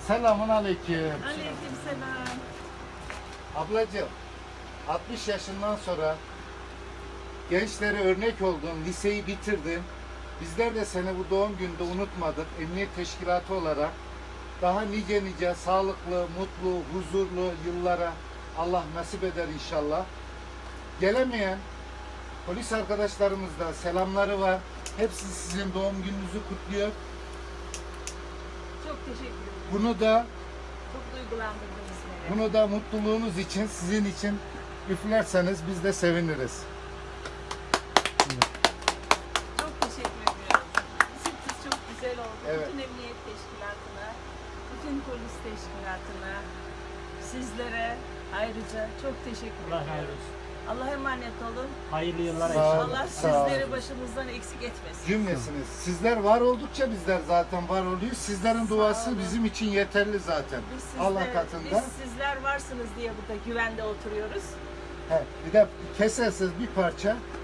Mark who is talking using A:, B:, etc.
A: Selamun aleyküm.
B: Aleykümselam.
A: Ablacığım, 60 yaşından sonra gençlere örnek oldun, liseyi bitirdin. Bizler de seni bu doğum günde unutmadık. Emniyet Teşkilatı olarak daha nice sağlıklı, mutlu, huzurlu yıllara Allah nasip eder inşallah. Gelemeyen polis arkadaşlarımız da selamları var. Hepsi sizin doğum gününüzü kutluyor.
B: Çok teşekkür ederim.
A: Çok
B: duygulandırdınız beni.
A: Bunu da mutluluğunuz için, sizin için üflerseniz biz de seviniriz.
B: Çok teşekkür ediyorum. Siz çok güzel oldu.
A: Evet.
B: Bütün emniyet teşkilatına, bütün polis teşkilatına, sizlere ayrıca çok teşekkür
C: Allah
B: ediyorum.
C: razı olsun.
B: Allah'a emanet olun.
C: Hayırlı yıllar
A: Sağ olun.
C: inşallah.
B: Allah
A: Sağ olun.
B: sizleri başımızdan eksik etmesin.
A: Cümlesiniz. Sizler var oldukça bizler zaten var oluyoruz. Sizlerin
B: Sağ
A: duası
B: olun.
A: bizim için yeterli zaten. Allah katında.
B: Biz sizler varsınız diye burada güvende oturuyoruz.
A: He, bir de kesersiz bir parça